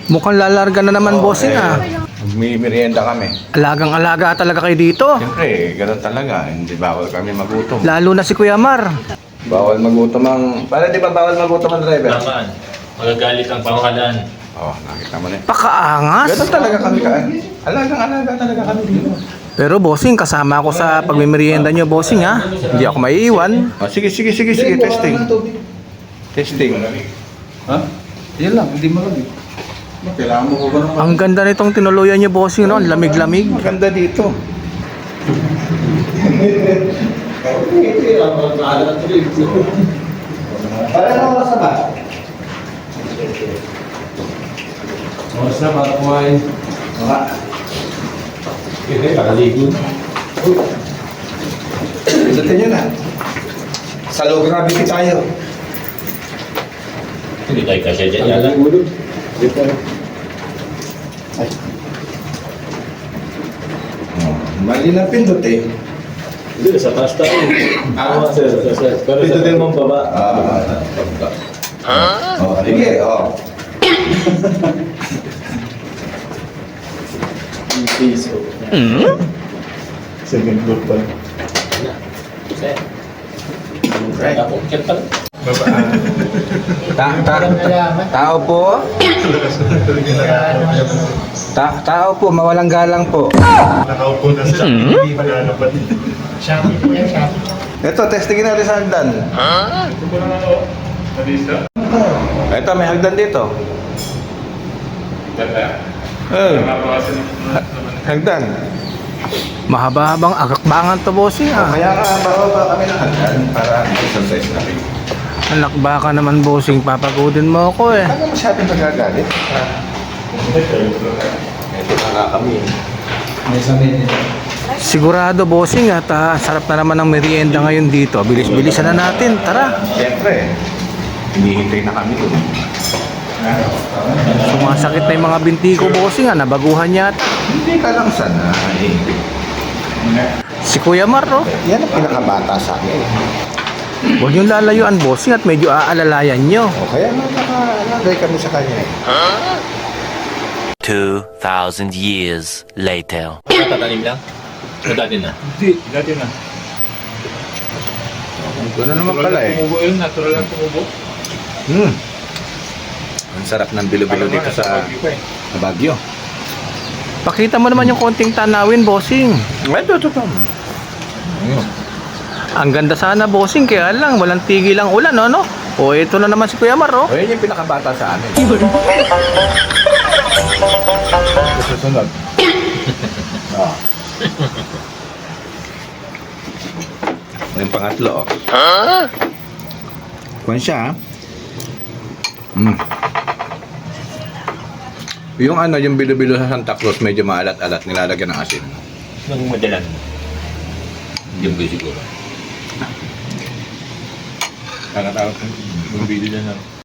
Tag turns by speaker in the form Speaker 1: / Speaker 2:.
Speaker 1: Mukhang lalarga na naman, bossing ah.
Speaker 2: May merienda kami.
Speaker 1: Alagang-alaga talaga kayo dito.
Speaker 2: Siyempre, ganun talaga. Hindi bawal kami magutom.
Speaker 1: Lalo na si Kuya Mar.
Speaker 2: Bawal magutom ang... Para di ba bawal magutom ang driver?
Speaker 3: Naman, magagalit ang pamahalaan.
Speaker 2: Oo, nakita mo na.
Speaker 1: Pakaangas.
Speaker 2: Ganun talaga kami ka. Alagang-alaga talaga kami dito.
Speaker 1: Pero bossing, kasama ako sa pagmimerienda nyo, bossing ha. Hindi ako maiiwan.
Speaker 2: Oh, sige. Testing. Testing. Ha? Yan lang, hindi malamig. Kailangan mo ko ba naman?
Speaker 1: Ang ganda nitong tinuluyan nyo, bossing, no? Ang lamig-lamig.
Speaker 2: Maganda dito. Para na oras na ba?
Speaker 3: Oras na para kumain.
Speaker 2: Baka.
Speaker 3: Hindi, nakaligo.
Speaker 2: Pindutin nyo na. Sa low gravity tayo.
Speaker 3: Hindi tayo kasya dyan yata.
Speaker 2: Ay. Oh, mali na pindot eh.
Speaker 3: Hindi, sa taas tayo. Sir. Pero sa din mong baba.
Speaker 2: Oh, sige, oh.
Speaker 3: Piso.
Speaker 2: Second floor pa.
Speaker 3: Sir. Ako, kaya pala.
Speaker 2: Tao po. Tao po, mawalang galang po.
Speaker 4: Nakaupo na siya. Hindi pa nalapat.
Speaker 2: Ito, testingin natin sa hagdan.
Speaker 4: Ito ko na ako. Nalisa.
Speaker 2: Ito, may hagdan dito.
Speaker 4: Dala.
Speaker 2: Eh,
Speaker 4: Nakakawasan naman.
Speaker 2: hagdan.
Speaker 1: Mahaba-habang agakbangan to, bossing ah.
Speaker 2: Kaya ka, bababa kami ng hagdan para exercise natin.
Speaker 1: Anak, baka naman, bossing, papagodin mo ako eh.
Speaker 2: Ano masyadong nagagalit? Ito na nga kami. May sabihin nito.
Speaker 1: Sigurado, bossing, at sarap na naman ng merienda ngayon dito. Bilis-bilisan na natin, tara.
Speaker 2: Siyempre, hinihintay na kami doon.
Speaker 1: Sumasakit na yung mga binti ko, bossing ah. Nabaguhan yata.
Speaker 2: Hindi ka lang sanay.
Speaker 1: Si Kuya Mar, oh.
Speaker 2: Yan ang pinakabata sa akin.
Speaker 1: Huwag yung lalayuan, bossing, at medyo aalalayan nyo.
Speaker 2: O kaya nalagay kami sa kanya eh.
Speaker 5: 2,000 years later.
Speaker 3: Tatanim lang? O dati na?
Speaker 4: Hindi, dati na.
Speaker 2: Gano'n naman pala eh.
Speaker 4: Tumubo yun, natural lang tumubo.
Speaker 2: Ang sarap ng bilo-bilo dito sa Baguio.
Speaker 1: Pakita mo naman yung konting tanawin, bossing.
Speaker 2: Ito.
Speaker 1: Ang ganda sana, bossing, kaya lang, walang tigil ang ulan, no? O, ito na naman si Kuya Mar, oh.
Speaker 2: O yan yung pinakabata sa amin. Susunod. Oh. Yung pangatlo, oh. Kuwan siya, ha? Yung yung bilo-bilo sa Santa Cruz, medyo maalat-alat, nilalagyan ng asin.
Speaker 3: Nung madalan. Hindi mo siguro.
Speaker 4: Nakatawag yung video dyan.